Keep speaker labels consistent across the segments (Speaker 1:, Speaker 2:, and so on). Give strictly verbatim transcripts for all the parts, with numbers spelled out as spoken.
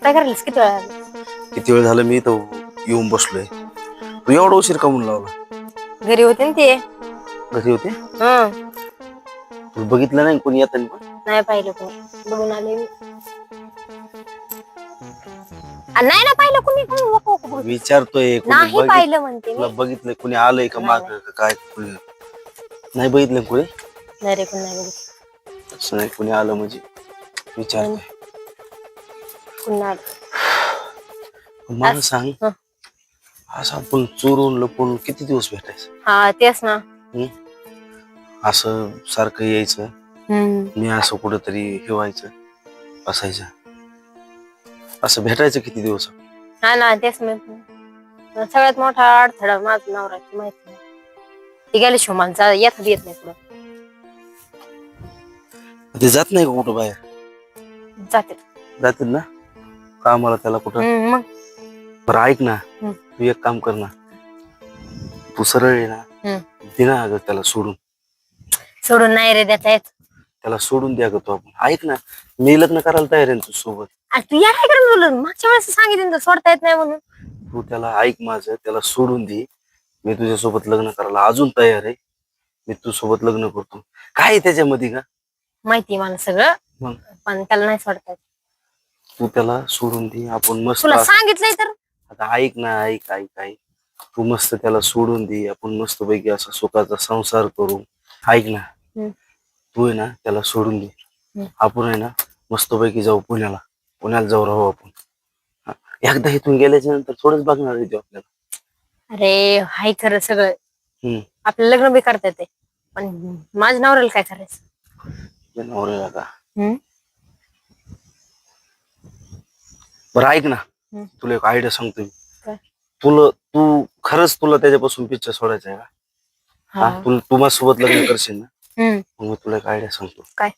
Speaker 1: काय करायलीस? किती वेळा आली?
Speaker 2: किती वेळ झालं मी तर येऊन बसलोय. तू एवढा उशीर का म्हणून लावला?
Speaker 1: घरी होते ना ते.
Speaker 2: घरी होते?
Speaker 1: हं.
Speaker 2: तू बघितलं नाही कोणी येताना पण?
Speaker 1: नाही पाहिलं कोणी. बघून आले मी. आ, नाही ना पाहिलं कोणी. कोणी वक वक बघत.
Speaker 2: विचारतोय कोणी
Speaker 1: नाही
Speaker 2: बघित
Speaker 1: पाहिलं म्हणते
Speaker 2: तुला
Speaker 1: मी.
Speaker 2: बघितलं कोणी आलंय का
Speaker 1: नाही
Speaker 2: माग
Speaker 1: नाही
Speaker 2: का काय? कोणी नाही बघितलं कोणी?
Speaker 1: नाही रे, कोणी नाही बघितलं.
Speaker 2: असं नाही कोणी आलं म्हणजे
Speaker 1: नाही नाही,
Speaker 2: विचारतोय.
Speaker 1: कोणी नाही आलं.
Speaker 2: मला
Speaker 1: अस-
Speaker 2: सांग,
Speaker 1: हं.
Speaker 2: असं आपण चोरून लपून किती दिवस भेटायचं?
Speaker 1: हा तेच ना.
Speaker 2: हम्म? असं सारखं यायचं,
Speaker 1: हम्म.
Speaker 2: मी असं कुठंतरी हे व्हायचं, बसायचं, असं भेटायचं किती दिवस?
Speaker 1: हा ना तेच मी सगळ्यात मोठा अडथळा माझा नवरा माहिती नाही. ती गेली शिवमानचा येत येत नाही पुढं.
Speaker 2: ते जात नाही का कुठं बाहेर?
Speaker 1: जाते.
Speaker 2: जातील ना कामाला त्याला कुठं?
Speaker 1: हम्म, मग
Speaker 2: बरं ऐक ना,
Speaker 1: हम्म.
Speaker 2: तू एक काम कर ना, तू सरळ आहे ना,
Speaker 1: हम्म.
Speaker 2: दे ना अगं त्याला सोडून.
Speaker 1: सोडून नाही रे देता येत.
Speaker 2: त्याला सोडून द्या ग तू. आपण ऐक ना, मी लग्न करायला तयार आहे तुझ्या सोबत.
Speaker 1: अरे तू या काय करून बोलून मागच्या वेळेस सांगितलं तर सोडता येत नाही म्हणून.
Speaker 2: तू त्याला ऐक माझं, त्याला सोडून दे. मी तुझ्यासोबत लग्न करायला अजून तयार आहे. मी तुझ्यासोबत लग्न करतो. काय आहे त्याच्यामध्ये का?
Speaker 1: माहिती मला सगळं,
Speaker 2: मग
Speaker 1: पण त्याला नाही सोडता येत.
Speaker 2: तू त्याला सोडून दे, आपण मस्त
Speaker 1: तुला
Speaker 2: असं-
Speaker 1: सांगितलंय तर.
Speaker 2: आता ऐक ना, ऐक ऐक ऐक तू मस्त त्याला सोडून दे, आपण मस्त पैकी असा सुखाचा संसार करू. ऐक ना,
Speaker 1: हम्म.
Speaker 2: तू आहे ना त्याला सोडून दे.
Speaker 1: हम्म.
Speaker 2: आपण आहे ना मस्तपैकी जाऊ पुण्याला. पुण्याला जाऊ राहू आपण. हा. एकदा इथून गेल्याच्या नंतर थोडंच बघणार आहे ते आपल्याला.
Speaker 1: अरे हाय खरं सगळं.
Speaker 2: हम्म.
Speaker 1: आपलं लग्न बी करता येते, पण माझ्या नवऱ्याला काय करायचं?
Speaker 2: तुझ्या नवऱ्याला का?
Speaker 1: हम्म.
Speaker 2: बरं ऐक ना,
Speaker 1: हम्म.
Speaker 2: तुला एक आयडिया सांगतो मी.
Speaker 1: काय?
Speaker 2: तुला तू खरंच तुला त्याच्यापासून पिच्छा सोडायचा आहे का?
Speaker 1: हा.
Speaker 2: हा, तू तू माझ्यासोबत लग्न करशील ना?
Speaker 1: हम्म.
Speaker 2: मग मी तुला एक आयडिया सांगतो.
Speaker 1: काय?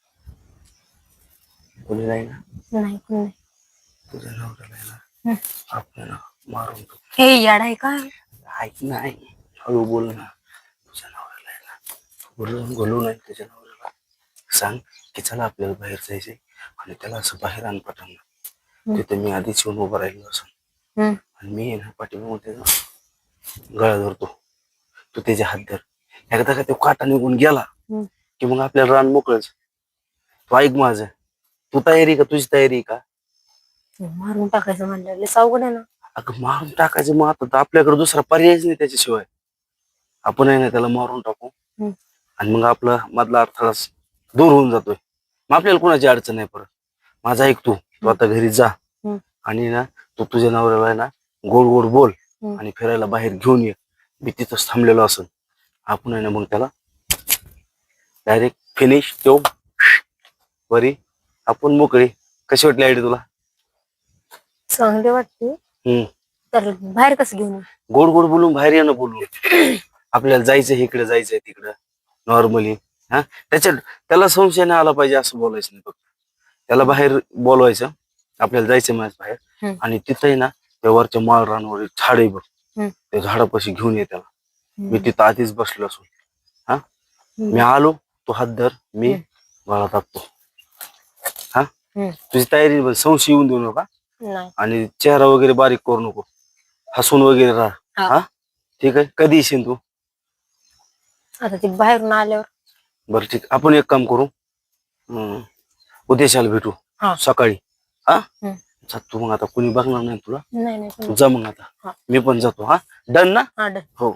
Speaker 2: कोणी नाही ना,
Speaker 1: नाही कोणी नाही.
Speaker 2: तुझ्या नवऱ्याला आहे ना
Speaker 1: हम्म.
Speaker 2: आपल्याला मारून टाकू.
Speaker 1: हे याड आहे का?
Speaker 2: ऐक ना, ऐक. हळू बोल ना. तुझ्या नवऱ्याला आहे ना बोलून बोलू नाही. तुझ्या नवऱ्याला सांग की चला आपल्याला बाहेर जायचंय, आणि त्याला असं बाहेर आण पाठवणार. तिथे मी आधीच येऊन उभा राहिलो असं, आणि मी आहे ना पाठीमागून त्याचा गळा धरतो. तू त्याचे हात धर. एकदा का तो काटा निघून गेला की मग आपल्याला रान मोकळच. तू ऐक माझं, तू तयारी का? तुझी तयारी का?
Speaker 1: मारून टाकायचं म्हणलं लय अवघड आहे ना.
Speaker 2: अगं मारून टाकायचं, मग आता आपल्याकडे दुसरा पर्यायच नाही त्याच्याशिवाय. आपण आहे ना त्याला मारून टाकू, आणि मग आपला मधला अडथळा दूर होऊन जातोय. मग आपल्याला कोणाची अडचण नाही परत. माझा ऐक, तू तू आता घरी जा, आणि ना तू तुझ्या नवऱ्याला आहे ना गोड गोड बोल, आणि फिरायला बाहेर घेऊन ये. मी तिथंच थांबलेलो असेल. आपण आहे ना मग त्याला डायरेक्ट फिनिश तो वरी आपण मोकळे. कशी वाटली आयडिया तुला?
Speaker 1: चांगली वाटते.
Speaker 2: हम्म.
Speaker 1: तर बाहेर कसं घेऊन?
Speaker 2: गोड गोड बोलून बाहेर येणं बोलून. आपल्याला जायचं इकडे, जायचंय तिकडं नॉर्मली. हा, त्याच्यात त्याला संशय नाही आला पाहिजे असं बोलायचं नाही फक्त. त्याला बाहेर बोलवायचं, आपल्याला जायचं माझ्या बाहेर, आणि तिथंही ना त्या वरच्या माळ रानवर झाड आहे बघ, त्या झाडापाशी घेऊन ये त्याला. मी तिथं आधीच बसलो असो. हा, मी आलो, तो हात धर, मी गळा टाकतो. हा, तुझी तयारी, संशय येऊन देऊ नका, आणि चेहरा वगैरे बारीक करू नको, हसून वगैरे राहा. हा, ठीक आहे. कधी येशील तू?
Speaker 1: आता ते बाहेरून आल्यावर.
Speaker 2: बरं ठीक, आपण एक काम करू, उद्याशाला भेटू सकाळी. हा, तू मग आता कुणी बघणार नाही तुला. तू जा मग आता, मी पण जातो. हा, डन ना? हो.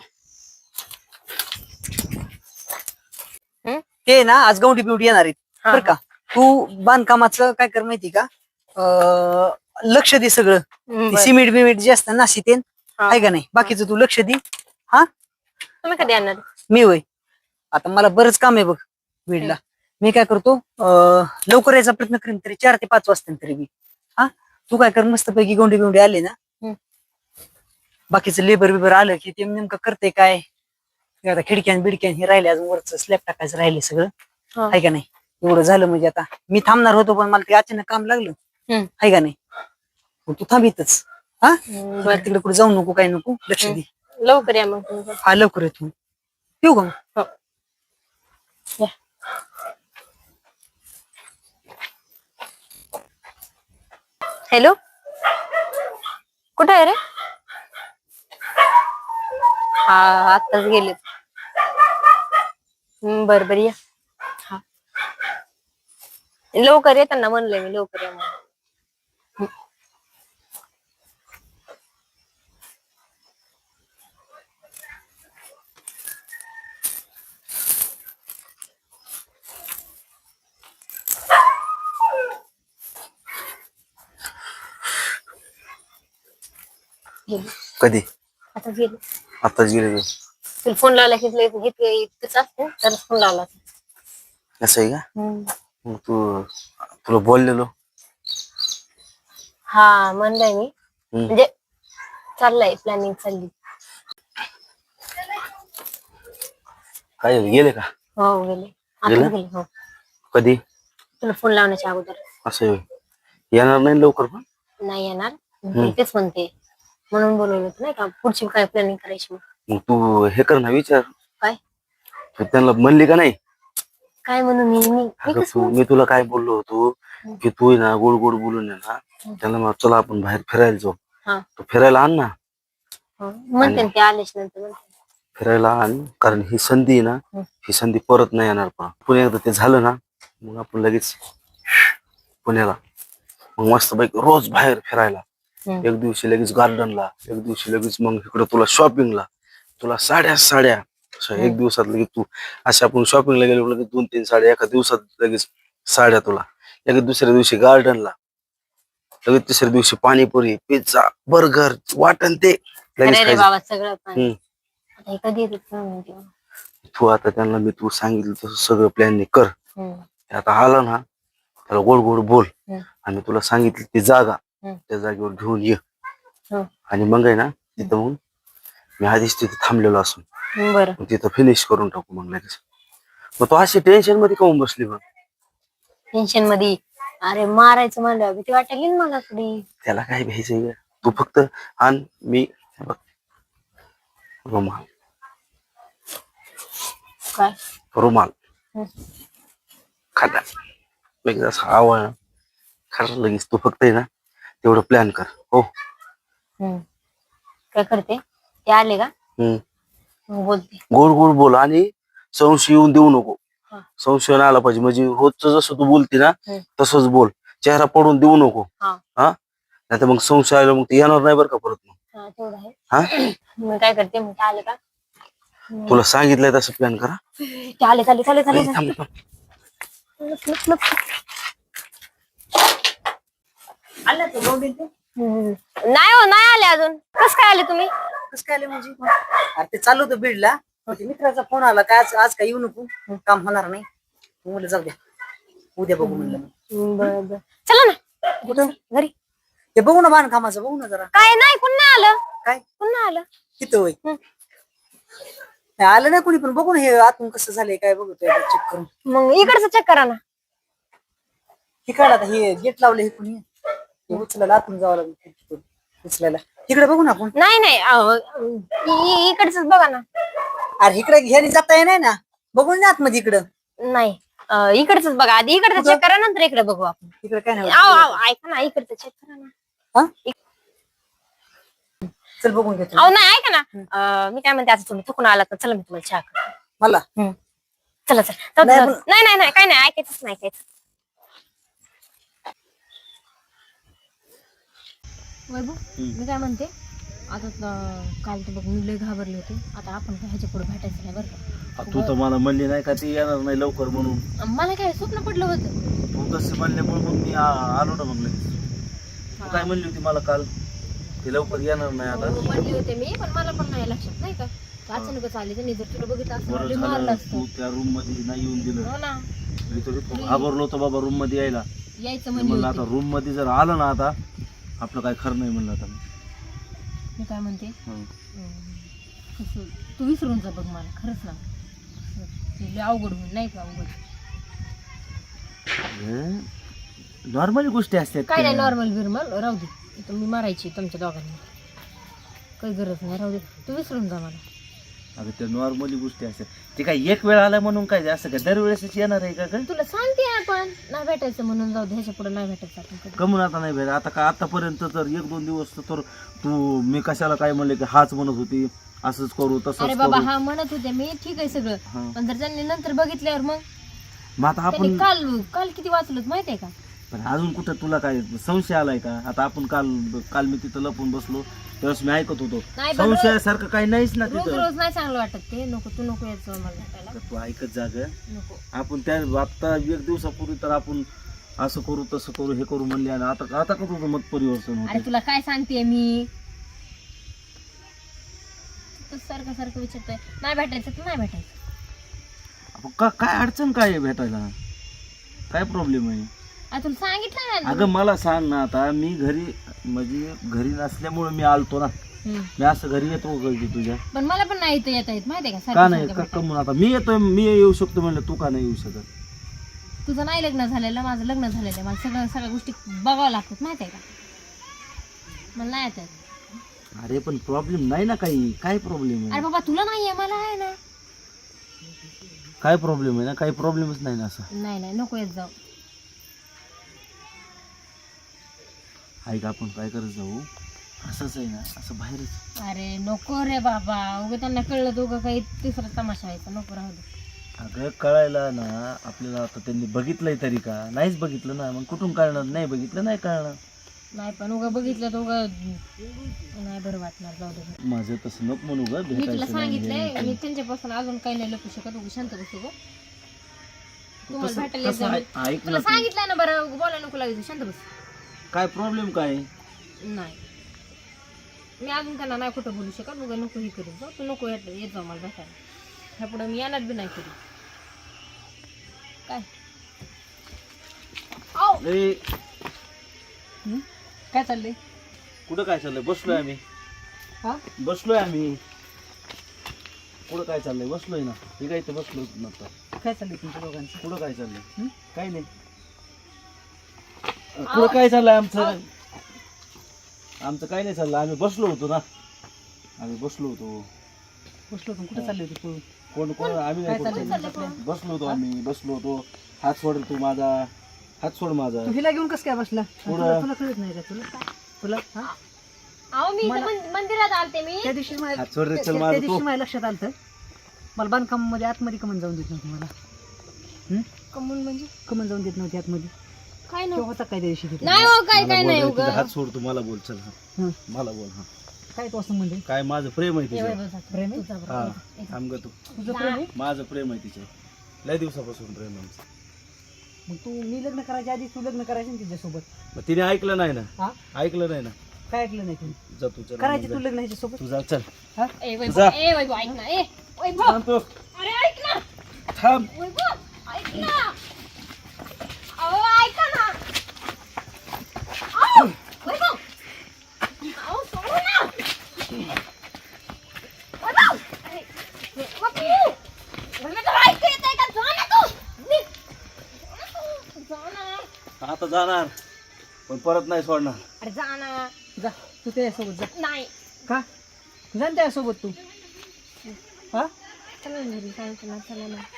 Speaker 3: ते ना आज गौंडी बिवडी येणार आहेत बरं का. तू बांधकामाचं काय कर माहिती का, लक्ष दे सगळं. सिमेंट बिमेंट जे असतं ना शितेन आहे का नाही, बाकीचं तू लक्ष दे. हा,
Speaker 1: तुम्ही कधी आणणार?
Speaker 3: मी होय, आता मला बरंच काम आहे बघ बीडला. मी काय करतो, लवकर यायचा प्रयत्न करेन, तरी चार ते पाच वाजता तरी मी. हा, तू काय कर, मस्त पैकी गौंडी बिवडी आले ना, बाकीचं लेबर बिबर आलं की ते नेमकं करते काय, आता खिडक्यान बिडक्यान हे राहिले, अजून वरच स्लॅब टाकायचं राहिले सगळं. आहे का नाही, एवढं झालं म्हणजे आता मी थांबणार होतो, पण मला ते अचानक काम लागलं. आहे का नाही, तू थांबितच. हा, तिकडे कुठे जाऊ नको, काय नको, लक्ष दे.
Speaker 1: लवकर या मग.
Speaker 3: हा, लवकर येतो. येऊ का?
Speaker 1: हॅलो. कुठे आहे रे? हा आताच गेले. बर बर या. हा लवकर येताना म्हणलंय मी, लवकर या म्हणून. गेली.
Speaker 2: कधी?
Speaker 1: आता गेली.
Speaker 2: आताच गेले तू?
Speaker 1: तुला फोन लावला की इतकंच असते तर फोन लावला.
Speaker 2: असं आहे का?
Speaker 1: हम्म.
Speaker 2: मग तू तुला बोललेलो.
Speaker 1: हा म्हणलंय मी,
Speaker 2: हम्म.
Speaker 1: म्हणजे चाललंय, प्लॅनिंग चालली.
Speaker 2: काय झालं, गेले का?
Speaker 1: हो गेले. आता
Speaker 2: गेले?
Speaker 1: गेले. हो
Speaker 2: कधी?
Speaker 1: तुला फोन लावण्याच्या अगोदर.
Speaker 2: असं आहे होय. येणार नाही लवकर पण?
Speaker 1: नाही येणार, मी तेच म्हणते, म्हणून बोलवलं होतं नाही का, पुढची काय प्लॅनिंग करायची. मग
Speaker 2: मग तू हे कर ना, विचार.
Speaker 1: काय?
Speaker 2: तू त्यांना म्हणली का नाही?
Speaker 1: काय म्हणू मी मी मी
Speaker 2: अगं
Speaker 1: कसं
Speaker 2: तू,
Speaker 1: म्हणू?
Speaker 2: मी तुला काय बोललो होतो की तू आहे ना गोड गोड बोलून आहे ना त्यांना मग चला आपण बाहेर फिरायला जाऊ.
Speaker 1: हा
Speaker 2: तू फिरायला आण ना.
Speaker 1: हो, म्हणते ना ते आलेच नंतर म्हणते.
Speaker 2: फिरायला आण, कारण ही संधी आहे ना,
Speaker 1: हम्म.
Speaker 2: ही संधी परत नाही येणार. पण पुणे एकदा ते झालं ना, मग आपण लगेच पुण्याला मग मस्त पैकी रोज बाहेर फिरायला.
Speaker 1: हम्म.
Speaker 2: एक दिवशी लगेच गार्डनला, एक दिवशी लगेच मग इकडे तुला शॉपिंगला, तुला साड्या साड्या अशा एक दिवसात लगेच तू अशा आपण शॉपिंगला गेलो लगेच दोन तीन साड्या एका दिवसात लगेच साड्या तुला. लगेच दुसऱ्या दिवशी गार्डनला, लगेच तिसऱ्या दिवशी पाणीपुरी, पिझ्झा, बर्गर, वाटण ते लगेच
Speaker 1: अरे रे
Speaker 2: खायचं.
Speaker 1: बाबा सगळं पण
Speaker 2: हम्म.
Speaker 1: आता हे कधी येतात काय माहिती.
Speaker 2: तू आता त्यांना मी तू सांगितलं तसं सगळं प्लॅन कर.
Speaker 1: हम्म.
Speaker 2: ते आता आलं ना त्याला गोड गोड बोल
Speaker 1: हम्म.
Speaker 2: आणि तुला सांगितली ती जागा
Speaker 1: हम्म.
Speaker 2: त्या जागेवर घेऊन ये.
Speaker 1: हो.
Speaker 2: आणि मग आहे ना तिथं मग मी आधीच तिथे थांबलेलो असून
Speaker 1: बरं
Speaker 2: मग तिथं फिनिश करून टाकू मग लगेच. मग तू अशी टेन्शन मध्ये काऊन बसली मग?
Speaker 1: टेन्शन मध्ये अरे मारायचं म्हणलं भीती वाटली ना मला थोडी.
Speaker 2: त्याला काय भ्यायचंय, तू फक्त आण. मी बघ रुमाल,
Speaker 1: काय
Speaker 2: रुमाल
Speaker 1: हम्म.
Speaker 2: खाटा लगेच असं आवड खरं लगेच. तू फक्त आहे ना तेवढं प्लॅन कर. हो
Speaker 1: हम्म. काय करते ते आले का
Speaker 2: हम्म.
Speaker 1: मग बोलते.
Speaker 2: गोड गोड बोल आणि संशय येऊन देऊ नको.
Speaker 1: हा.
Speaker 2: संशय नाही आला पाहिजे. म्हणजे रोजचं जसं तू बोलते ना
Speaker 1: हम्म.
Speaker 2: तसंच बोल. चेहरा पडून देऊ नको.
Speaker 1: हा
Speaker 2: हा नाही तर मग संशय आला मग ते येणार नाही बरं का परत. मग
Speaker 1: हा तेवढं आहे.
Speaker 2: हा
Speaker 1: मग काय करते मग ते आले का
Speaker 2: तुला सांगितलंय तसं प्लॅन करा.
Speaker 1: ते आले चाले चाले चाले
Speaker 2: ए, थांब, थांब.
Speaker 1: लप, लप, लप.
Speaker 3: आलं ते गौंडी ते?
Speaker 1: हम्म. नाही हो नाही आले अजून. कस काय आले तुम्ही?
Speaker 3: कसं काय आले म्हणजे? अरे ते चालू होतं बीडला, मग ते मित्राचा फोन आला काय आज आज काय येऊ नको, काम होणार नाही. मग म्हणलं जाऊ द्या, उद्या बघू म्हणलं. मग
Speaker 1: बर बर चला ना
Speaker 3: कुठं?
Speaker 1: घरी.
Speaker 3: ते बघू ना बांधकामाचं, बघू ना जरा.
Speaker 1: काय नाही पुन्हा आलं.
Speaker 3: काय
Speaker 1: पुन्हा आलं
Speaker 3: तिथं होय?
Speaker 1: हम्म.
Speaker 3: नाही आलं नाही कोणी, पण बघू ना हे आतून कसं झालंय काय बघतोय चेक करून.
Speaker 1: मग इकडचं चेक करा ना.
Speaker 3: हे काढ आता, हे गेट लावले हे कोणी, हे उचलायला आतून जावं लागेल उचलायला. तिकडे बघू ना आपण.
Speaker 1: नाही नाही अहो, इ- इकडचंच बघा ना.
Speaker 3: अरे इकडे ह्यानी जाता येणार ना, बघून ना आतमध्ये इकडं.
Speaker 1: नाही अं, इकडचंच बघा आधी. इकडचं
Speaker 3: कुठं?
Speaker 1: चेक करा नंतर इकडे बघू आपण.
Speaker 3: इकडे काय नाही
Speaker 1: आव
Speaker 3: होत.
Speaker 1: आव ऐका ना, इकडचं चेक करा ना.
Speaker 3: हा? चल बघून घेतो
Speaker 1: अहो नाही ऐका ना, अं, मी काय म्हणते आता तुम्ही थकून आलात ना, चला मी तुम्हाला चहा करते.
Speaker 3: मला.
Speaker 1: चला चला जाऊ दे,
Speaker 3: नाही,
Speaker 1: जाऊ दे. नाही नाही नाही काय नाही ऐकायचंच नाही ऐकायचं. वैभव मी काय म्हणते आता त- काल तर बघ मी लय घाबरले होते. आता आपण काय ह्याच्या पुढे भेटायचं नाही बरं का.
Speaker 2: तू तर मला म्हणली नाही का ती येणार नाही लवकर म्हणून.
Speaker 1: अं, मला काय स्वप्न पडलं होतं.
Speaker 2: तू तसं म्हणल्यामुळे मग मी आ- आलो ना मग लगेच. तू काय म्हणली होती मला काल, ती लवकर येणार नाही आता.
Speaker 1: हो, म्हणले होते मी, पण मला पण नाही लक्षात नाही का अचानकच आले. त्यांनी जर तुला बघितलं असतं
Speaker 2: बरं
Speaker 1: मला लय मारलं
Speaker 2: झालं
Speaker 1: असतं.
Speaker 2: तू त्या रूम मध्ये नाही येऊन दिलं.
Speaker 1: हो ना
Speaker 2: मी तर इतकं घाबरलो होतो बाबा रूम मध्ये यायला.
Speaker 1: यायचं
Speaker 2: मी
Speaker 1: म्हणले
Speaker 2: म्हणलं
Speaker 1: होते.
Speaker 2: आता रूम मध्ये जर आलं ना आता आपलं काय खरं नाही म्हणलं आता मी.
Speaker 1: मी काय म्हणते
Speaker 2: हं.
Speaker 1: अं, कसं तू विसरून जा बघ मला खरंच ना. ते लय अवघड होईल नाही का. अवघड
Speaker 2: नॉर्मल गोष्टी असतात
Speaker 1: काय नाही
Speaker 2: त्या.
Speaker 1: नॉर्मल बिरमल राहू दे. इथं मी मारायची तुमच्या दोघांना काही गरज नाही. राहू दे तू विसरून जा मला.
Speaker 2: अगं त्या नॉर्मली गोष्टी असतात ते काय एक वेळ आला म्हणून काय असं काय दरवेळेसच येणार आहे का ग?
Speaker 1: तुला सांगते आपण नाही भेटायचं म्हणून जाऊ दे, ह्याच्या पुढे नाही भेटायचं आपण कधी.
Speaker 2: कमून आता नाही भेट आता का आतापर्यंत तर एक दोन दिवस तर तू मी कशाला काय म्हणले की हाच म्हणत होती असंच करू
Speaker 1: अरे
Speaker 2: तसंच
Speaker 1: बाबा
Speaker 2: करू.
Speaker 1: हा म्हणत होते मी ठीक आहे सगळं,
Speaker 2: हा.
Speaker 1: पण जर त्यांनी नंतर बघितल्यावर मग
Speaker 2: मग आता
Speaker 1: त्यांनी
Speaker 2: आपण
Speaker 1: काल काल किती वाचलं माहितीये का?
Speaker 2: पण अजून कुठं तुला काय संशय आलाय का? आता आपण काल काल मी तिथं लपून बसलो त्यावेळेस मी ऐकत होतो
Speaker 1: नाही पण रोज-
Speaker 2: संशयासारखं काही नाहीच ना
Speaker 1: रोज
Speaker 2: तिथं.
Speaker 1: रोज नाही चांगलं वाटत ते. नको तू नको यायचं मला भेटायला.
Speaker 2: तर तू ऐकत जाग
Speaker 1: नको.
Speaker 2: आपण त्या आता एक दिवसापूर्वी तर आपण असं करू तसं करू हे करू म्हणले आणि आता आता का तुझं मत परिवर्तन
Speaker 1: अरे
Speaker 2: होते?
Speaker 1: तुला काय सांगते मी, तू सारखं सारखं विचारतोय नाही भेटायचं तर नाही भेटायचं.
Speaker 2: आपण का काय अडचण काय आहे भेटायला? काय प्रॉब्लेम आहे?
Speaker 1: अरे तुला सांगितलं ना.
Speaker 2: अगं मला सांग ना, आता मी घरी म्हणजे घरी नसल्यामुळे मी आलतो ना,
Speaker 1: हम्म.
Speaker 2: मी असं घरी येतो कधी तुझ्या
Speaker 1: पण मला पण नाही इथं येता येत माहितीये का?
Speaker 2: का
Speaker 1: सारखं
Speaker 2: नाही
Speaker 1: सारखं
Speaker 2: का
Speaker 1: भेटायला.
Speaker 2: कमून आता मी येतोय मी येऊ शकतो म्हणलं तू का नाही येऊ शकत?
Speaker 1: तुझं नाही लग्न झालेलं, माझं लग्न झालेलं आहे. मला सगळं सगळ्या गोष्टी बघावं लागतात माहितीये का? मला नाही येत.
Speaker 2: अरे पण प्रॉब्लेम नाही ना काही, काय प्रॉब्लेम
Speaker 1: अरे
Speaker 2: आहे?
Speaker 1: बाबा तुला नाहीये मला आहे ना.
Speaker 2: काय प्रॉब्लेम आहे ना? काही प्रॉब्लेमच नाही ना असं.
Speaker 1: नाही नाही नको येत जाऊ.
Speaker 2: ऐक आपण काय करत जाऊ असंच आहे ना, असं बाहेरच.
Speaker 1: अरे नको रे बाबा, उगा त्यांना कळलं तर उगा काही तिसरा तमाशा व्हायचा. नको राहू दे.
Speaker 2: अगं कळायला ना आपल्याला, आता त्यांनी बघितलंय तरी का? नाहीच बघितलं ना, मग कुठून कळणार? नाही बघितलं नाही कळणार.
Speaker 1: नाही पण उगा बघितलं तर उगा नाही बरं वाटणार. जाऊ दे.
Speaker 2: माझं तसं नको म्हणू ग,
Speaker 1: मी तुला
Speaker 2: भेटायचं नाही,
Speaker 1: सांगितलंय
Speaker 2: हे
Speaker 1: मी त्यांच्यापासून अजून काही नाही लपू शकत. उगा शांत बसू गं. तुम्हाला
Speaker 2: तसं-
Speaker 1: भेटायला
Speaker 2: तसं
Speaker 1: येत
Speaker 2: ऐक
Speaker 1: जाऊ.
Speaker 2: ऐक
Speaker 1: तुला
Speaker 2: ना तू.
Speaker 1: सांगितलंय ना बरं, बोलायला नको लागायचं. शांत बस.
Speaker 2: काय प्रॉब्लेम काय?
Speaker 1: नाही मी अजून त्यांना नाही कुठं बोलू शकत. उगा नको ही करू जाऊ. तू नको येत येत जाऊ मला भेटायला. ह्या पुढे मी येणार बी नाही कधी. काय आव.
Speaker 2: ए,
Speaker 3: हं? काय चाललंय?
Speaker 2: कुठं काय चाललंय? बसलोय आम्ही.
Speaker 3: हा
Speaker 2: बसलोय आम्ही. कुठं काय चाललंय? बसलोय ना. हे काय इथं बसलो नव्हतं.
Speaker 3: काय चाललंय तुमच्या दोघांचं?
Speaker 2: कुठं काय चाललंय?
Speaker 3: हं?
Speaker 2: काय नाही. कुठं काय चाललंय आमचं? आमचं काय नाही चाललं. आम्ही बसलो होतो ना, आम्ही बसलो होतो.
Speaker 3: बसलो होतो कुठे चालले होते पळून?
Speaker 2: कोण कोण आम्ही
Speaker 3: काय
Speaker 2: नाही
Speaker 3: चाललंय
Speaker 2: कोण-
Speaker 3: तुमच्यातलं?
Speaker 2: बसलो होतो आम्ही बसलो होतो. हात सोड तू माझा, हात सोड माझा.
Speaker 3: तू हिला घेऊन कसं काय बसला?
Speaker 2: पुढं.
Speaker 3: तुला तुला कळत नाही का तुला? तुला हा?
Speaker 1: अहो मी इथं
Speaker 3: मला-
Speaker 1: मंद- मंदिरात आलते मी.
Speaker 3: त्या दिवशी माझ्या
Speaker 2: हात सोड रे,
Speaker 3: त्या
Speaker 2: चल
Speaker 3: त्या
Speaker 2: माझा
Speaker 3: दिवशी
Speaker 2: तू.
Speaker 3: माझ्या लक्षात आलं मला बांधकाम मध्ये आतमध्ये कमन जाऊन देत नव्हती मला. हं?
Speaker 1: कमून म्हणजे
Speaker 3: कमन जाऊन देत नव्हती आतमध्ये.
Speaker 1: काय
Speaker 3: तेव्हा
Speaker 1: नाही
Speaker 3: होता काय त्या दिवशी तिथे?
Speaker 1: नाही हो काय
Speaker 2: मला
Speaker 1: काय
Speaker 2: बोल
Speaker 1: नाही
Speaker 2: रे,
Speaker 1: उगा.
Speaker 2: तुझा हात सोड तू. मला बोल चल. हा.
Speaker 3: हं.
Speaker 2: मला बोल. हा
Speaker 3: काय तो असं म्हणजे
Speaker 2: काय माझं प्रेम आहे
Speaker 1: ये बाई
Speaker 2: तिचं.
Speaker 1: बसा.
Speaker 3: प्रेम आहे?
Speaker 1: तुझा बरं.
Speaker 2: हा
Speaker 1: ये- ये-
Speaker 2: थांब ग तू.
Speaker 3: तुझं प्रेम आहे?
Speaker 2: माझं प्रेम आहे तिचं. लय दिवसापासून प्रेम आहे आमचं.
Speaker 3: मग तू मी लग्न करायच्या आधी तू लग्न करायचं ना तिच्यासोबत.
Speaker 2: मग तिने ऐकलं नाही ना,
Speaker 3: हा
Speaker 2: ऐकलं नाही ना.
Speaker 3: काय ऐकलं नाही तू?
Speaker 2: जा तू चल.
Speaker 3: करायचं तू लग्न ह्याच्यासोबत.
Speaker 2: तू जा चल.
Speaker 3: हा
Speaker 1: ए वैभव,
Speaker 2: जा.
Speaker 1: ए वैभव, ऐक ना. ए वैभव,
Speaker 2: थांब तू.
Speaker 1: अरे ऐक ना.
Speaker 2: थांब.
Speaker 1: वैभव, ऐक ना. अहो ऐका ना. अहो, वैभव. अहो, सोडू ना. वैभव. अरे, वैभव. वैभव, तुला ऐकू येतंय का? जा ना तू. निघ. जा ना.
Speaker 2: आता जाणार पण परत नाही सोडणार.
Speaker 1: अरे जा ना.
Speaker 3: जा तू त्याच्यासोबत जा.
Speaker 1: नाही.
Speaker 3: का जा ना त्याच्यासोबत तू. हा
Speaker 1: चला ना घरी, सांगतो ना. चला ना.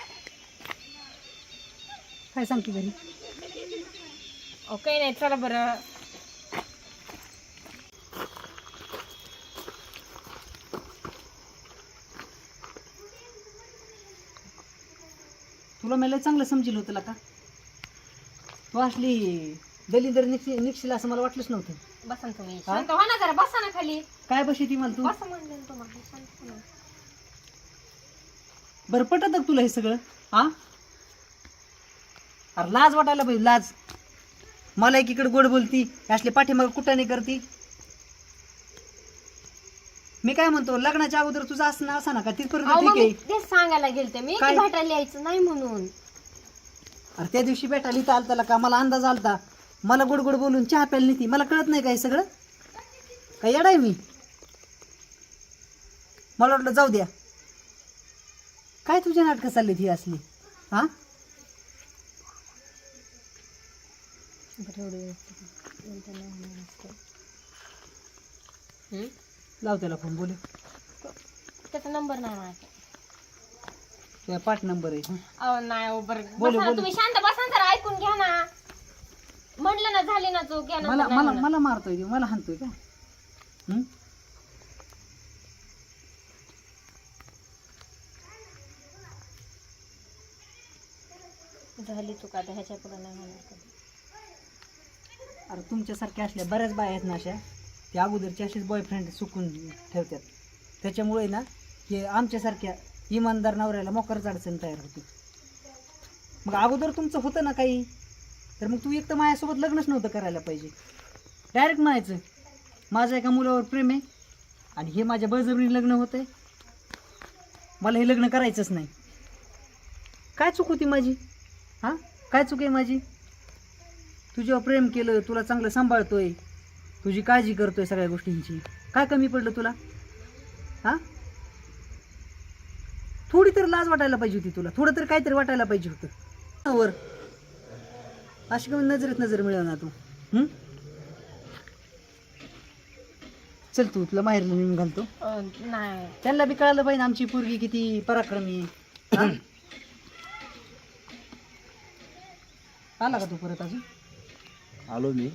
Speaker 3: काय सांगते घरी?
Speaker 1: अहो, काही नाही. चला बरं.
Speaker 3: तुला मला चांगलं समजेल होतं का? तू असली दलिंदर निघ निघशील असं मला वाटलंच नव्हतं.
Speaker 1: बसा ना तुम्ही.
Speaker 3: हा?
Speaker 1: शांत व्हा ना जरा. बसा ना खाली.
Speaker 3: काय बशी ती मला तू?
Speaker 1: बसा म्हणलं ना तुम्हाला. शांत व्हा ना.
Speaker 3: बरं पटत का तुला हे सगळं? हा अरे लाज वाटायला पाहिजे, लाज. मला एकीकडे गोड बोलती, असले पाठीमाग कुठाने करती. मी काय म्हणतो, लग्नाच्या अगोदर तुझं असं असा ना का तिथपर्यंत
Speaker 1: अहो,
Speaker 3: ठीक
Speaker 1: मग मी
Speaker 3: आहे.
Speaker 1: तेच सांगायला गेलते मी की
Speaker 3: काय?
Speaker 1: भेटायला यायचं नाही म्हणून.
Speaker 3: अरे त्या दिवशी भेटायला इथं आलता का मला अंदाज आलता. मला गोड गोड बोलून चहा प्यायला नाही ती. मला कळत नाही का हे सगळं? काय येडाय मी? मला वाटलं जाऊ द्या. काय तुझ्या नाटकं चालली ती असली? हा
Speaker 1: बरं, एवढं व्यवस्थित. नंतर नाही होणार असतं. हं?
Speaker 3: लाव त्याला फोन बोले.
Speaker 1: त्याचा नंबर नाही माझा.
Speaker 3: तुझा पाठ नंबर आहे.
Speaker 1: अहो नाही हो, बरं
Speaker 3: बोलू,
Speaker 1: बसा ना
Speaker 3: बोलू.
Speaker 1: तुम्ही, शांत बसा ना जरा, ऐकून घ्या ना. म्हणलं ना झाली ना चूक, घ्या
Speaker 3: मला
Speaker 1: नंतर
Speaker 3: मला
Speaker 1: नाही
Speaker 3: मला मारतोय तो, मला हाणतोय का? हं?
Speaker 1: म्हणत. झाली चूक, आता ह्याच्या पुढे नाही होणार कधी.
Speaker 3: अरे तुमच्यासारख्या असल्या बऱ्याच बाया आहेत ना अशा, त्या अगोदरचे असेच बॉयफ्रेंड चुकून ठेवतात. त्याच्यामुळे ना हे आमच्यासारख्या इमानदार नवऱ्याला मोकरच अडचण तयार होते. मग अगोदर तुमचं होतं ना काही, तर मग तू एक तर माझ्यासोबत लग्नच नव्हतं करायला पाहिजे. डायरेक्ट म्हणायचं माझं एका मुलावर प्रेम आहे आणि हे माझ्या बळजबरीने लग्न होतंय, मला हे लग्न करायचंच नाही. काय चूक होती माझी? हां, काय चूक आहे माझी? तुझ्यावर प्रेम केलं, तुला चांगलं सांभाळतोय, तुझी काळजी करतोय सगळ्या गोष्टींची, काय कमी पडलं तुला? हां, थोडी तर लाज वाटायला पाहिजे होती तुला, थोडं तर काहीतरी वाटायला पाहिजे होतं. वर अशी कमी नजरेत नजर मिळवणार तू. हं? चल तू, तुला माहेर नेऊन घालतो.
Speaker 1: अं, नाही
Speaker 3: त्यांना बी कळालं पाहिजे आमची पोरगी किती पराक्रमी आहे. हां? आला का तू परत अजून?
Speaker 2: आलो मी.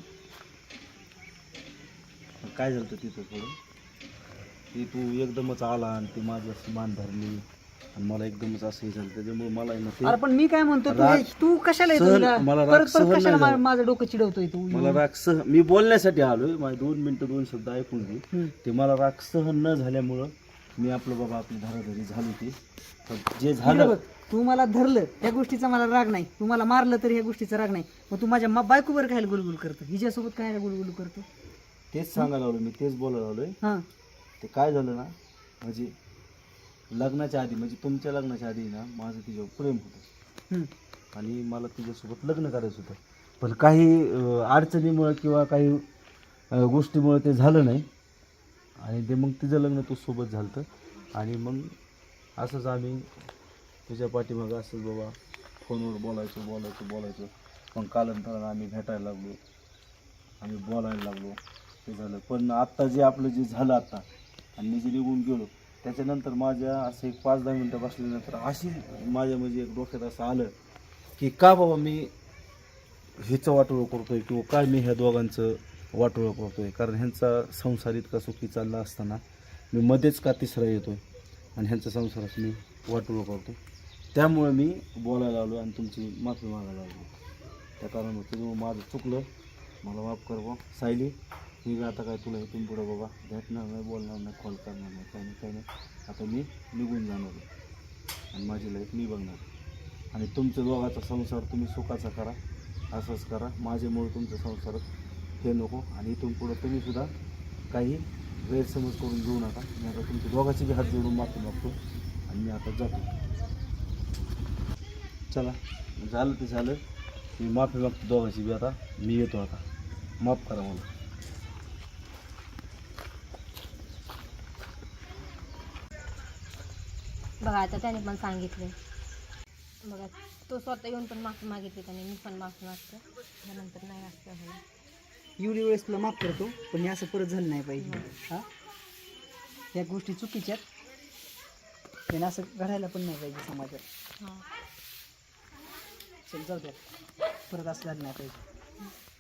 Speaker 2: काय झालं होतं तिथं थोडं, ती तू एकदमच आला आणि ती माझी अशी मान धरली आणि मला एकदमच असं हे झालं, त्याच्यामुळे मला आहे ना ते
Speaker 3: अरे पण मी काय म्हणतो, तू
Speaker 2: राग-
Speaker 3: हे- तू कशाला येतो
Speaker 2: सहन-
Speaker 3: तुला?
Speaker 2: मला राग
Speaker 3: परत
Speaker 2: सहन
Speaker 3: परत
Speaker 2: नाही
Speaker 3: कशाला मा-
Speaker 2: झालं.
Speaker 3: माझं डोकं चिडवतोय तू?
Speaker 2: मला राग सह मी बोलण्यासाठी आलोय, माझे दोन मिनिटं दोन शब्द ऐकून घे.
Speaker 3: हं.
Speaker 2: ते मला राग सहन न झाल्यामुळं मी आपलं बाबा आपली धाराधरी झाली ती, पण जे
Speaker 3: इकडे
Speaker 2: झालं
Speaker 3: बघ, तू मला धरलं त्या गोष्टीचा मला राग नाही, तू मला मारलं तरी ह्या गोष्टीचा राग नाही. मग तू माझ्या मा- बायकोवर काय गुलगुल करतो, हिच्यासोबत काय गुलगुल करतो?
Speaker 2: तेच सांगायला आलो मी, तेच बोलायला आलोय.
Speaker 3: हां,
Speaker 2: ते काय झालं ना, म्हणजे लग्नाच्या आधी, म्हणजे तुमच्या लग्नाच्या आधी ना माझं तिच्यावर प्रेम होतं
Speaker 3: हं.
Speaker 2: आणि मला तिच्यासोबत लग्न करायचं होतं, पण काही अं, अडचणीमुळं किंवा काही अं, गोष्टीमुळं ते झालं नाही आणि ते मग तिचं लग्न तो सोबत झालं होतं. आणि मग असंच आम्ही तुझ्या पाठीमागं असंच बाबा फोनवर बोलायचो बोलायचो बोलायचो मग कालांतरानं आम्ही भेटायला लागलो, आम्ही बोलायला लागलो, ते झालं. पण आत्ता जे आपलं जे झालं आत्ता आणि मी जे निघून गेलो त्याच्यानंतर माझ्या असं एक पाच दहा मिनटं बसल्यानंतर अशी माझ्या म्हणजे एक डोक्यात असं आलं की का बाबा मी हिचं वाटोळं करतोय किंवा काय मी ह्या दोघांचं वाटोळं करतोय, कारण ह्यांचा संसार इतका सुखी चालला असताना मी मध्येच का तिसरा येतोय आणि ह्यांच्या संसारात मी वाटोळं करतो. त्यामुळे मी बोलायला आलो आणि तुमची माफी मागायला लागलो. त्या कारणामुळे तुझं माझं चुकलं, मला माफ कर बा सायली. मी आता काय तुला इथून पुढं बाबा भेटणार नाही, बोलणार नाही, कॉल करणार नाही, काही नाही काही नाही. आता मी निघून जाणार आहे आणि माझी लाईफ मी बघणार. आणि तुमच्या दोघाचा संसार तुम्ही सुखाचा करा, असंच करा. माझ्यामुळे तुमच्या संसारात हे नको आणि इथून पुढं तुम्ही सुद्धा काही गैरसमज करून घेऊ नका. मी आता तुमच्या दोघांची बी हात जोडून माफी मागतो आणि मी आता जातो. चला, झालं ते झालं. मी माफी मागतो दोघांची बी. आता मी येतो, आता माफ करा मला.
Speaker 1: बघा आता त्याने पण सांगितलं, बघा तो स्वतः येऊन पण माफी मागितली त्याने, मी पण माफी मागते. त्यानंतर नाही असं होईल.
Speaker 3: एवढी वेळेस तुला माफ करतो, पण हे असं परत झालं नाही पाहिजे. हां, या गोष्टी चुकीच्या आहेत, हे असं घडायला पण नाही पाहिजे समाजात.
Speaker 1: हां
Speaker 3: चल जाऊ द्या, परत असं झालं नाही पाहिजे.